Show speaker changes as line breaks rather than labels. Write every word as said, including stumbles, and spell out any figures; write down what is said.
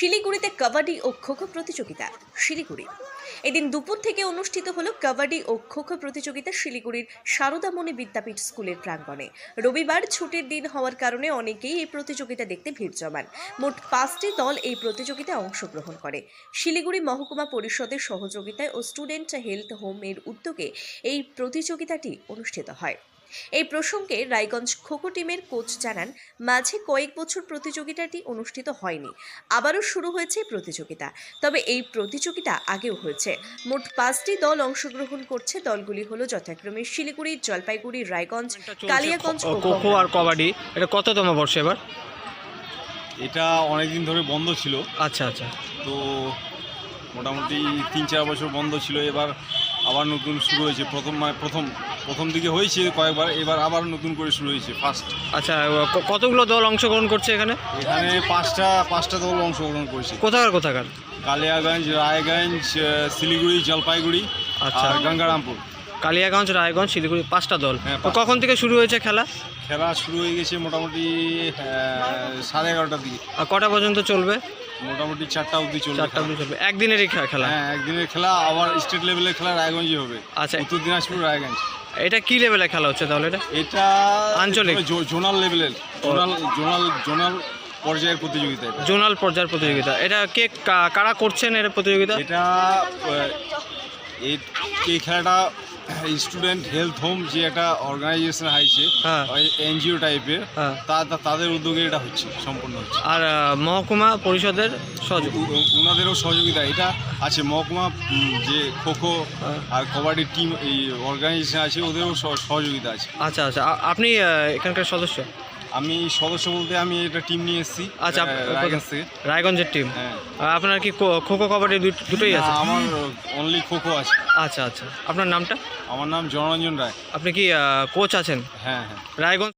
শিলিগুড়িতে কাবাডি ও খোখো প্রতিযোগিতা। শিলিগুড়ি এদিন দুপুর থেকে অনুষ্ঠিত হলো কাবাডি ও খোখো প্রতিযোগিতা শিলিগুড়ির সারদামণি বিদ্যাপীঠ স্কুলের প্রাঙ্গণে। রবিবার ছুটির দিন হওয়ার কারণে অনেকেই এই প্রতিযোগিতা দেখতে ভিড় জমান। মোট পাঁচটি দল এই প্রতিযোগিতায় অংশগ্রহণ করে। শিলিগুড়ি মহকুমা পরিষদের সহযোগিতায় ও স্টুডেন্ট হেলথ হোম এর উদ্যোগে এই প্রতিযোগিতাটি অনুষ্ঠিত হয়। এই প্রসঙ্গে রায়গঞ্জ খোখো টিমের কোচ জানান, মাঝে কয়েক বছর প্রতিযোগিতাটি অনুষ্ঠিত হয়নি, আবারও শুরু হয়েছে প্রতিযোগিতা। তবে এই প্রতিযোগিতা আগেও হয়েছে। মোট পাঁচটি দল অংশগ্রহণ করছে। দলগুলি হলো যথাক্রমে শিলিগুড়ি, জলপাইগুড়ি, রায়গঞ্জ, কালিয়াগঞ্জ ও
খোখো আর কবাডি। এটা কততম বর্ষ এবার?
এটা অনেকদিন ধরে বন্ধ ছিল।
আচ্ছা আচ্ছা।
তো মোটামুটি তিন চার বছর বন্ধ ছিল, এবার আবার নতুন শুরু হয়েছে। প্রথম মানে প্রথম প্রথম দিকে হয়েছে কয়েকবার, এবার আবার নতুন করে শুরু হয়েছে ফার্স্ট।
আচ্ছা, ক- কতগুলো দল অংশগ্রহণ করছে এখানে?
এখানে পাঁচটা পাঁচটা দল অংশগ্রহণ করেছে।
কোথাকার কোথাকার?
কালিয়াগঞ্জ, রায়গঞ্জ, শিলিগুড়ি, জলপাইগুড়ি
আচ্ছা।
আর গঙ্গারামপুর।
কালিয়াগঞ্জ, রায়গঞ্জ, শিলিগুড়ি, পাঁচটা দল।
হ্যাঁ,
তো কখন থেকে শুরু হয়েছে খেলা?
খেলা শুরু হয়ে গেছে মোটামুটি আহ, সাড়ে এগারোটার দিকে।
আর কটা পর্যন্ত চলবে?
মোটামুটি চারটা অবধি চলবে।
চারটা অবধি চলবে। একদিনেরই খে- খেলা?
হ্যাঁ, একদিনের খেলা। আবার স্টেট লেভেলের খেলা রায়গঞ্জে হবে।
আচ্ছা,
উত্তর দিনাজপুর, রায়গঞ্জ।
এটা কি লেভেলে খেলা হচ্ছে তাহলে? এটা
এটা
আঞ্চলিক?
জো- জোনাল লেভেলের, জোনাল জোনাল জোনাল পর্যায়ের প্রতিযোগিতা এটা।
জোনাল পর্যায়ের প্রতিযোগিতা। এটা কে কা- কারা করছেন এর প্রতিযোগিতা?
এটা আহ, এই এই খেলাটা স্টুডেন্ট হেলথ হোম যে একটা অর্গানাইজেশন আছে,
হ্যাঁ।
এনজিও টাইপের,
হ্যাঁ।
তা- তা- তাদের উদ্যোগে এটা হচ্ছে, সম্পূর্ণ হচ্ছে।
আর আহ, মহকুমা পরিষদের সহযোগ?
উ- উ- ওনাদেরও সহযোগিতা এটা আছে। মহকুমা উম, যে খোখো
হ্যাঁ।
আর কবাডি টিম এই অর্গানাইজেশন আছে, ওদেরও সহ- সহযোগিতা আছে।
আচ্ছা আচ্ছা। আ- আপনি আহ, এখানকার সদস্য?
আমি সদস্য বলতে আমি এটা টিম নিয়ে এসেছি
আচ্ছা,
আহ, রায়গঞ্জ থেকে।
রায়গঞ্জের টিম।
হ্যাঁ।
আপনার কি খো- খোখো কবাডি দুট- দুটোই
না,
আছে?
আমার অনলি খোখো আছে।
আচ্ছা আচ্ছা। আপনার নামটা?
আমার নাম জনরঞ্জন রায়।
আপনি কি কোচ আছেন
হ্যাঁ হ্যাঁ।
রায়গঞ্জ?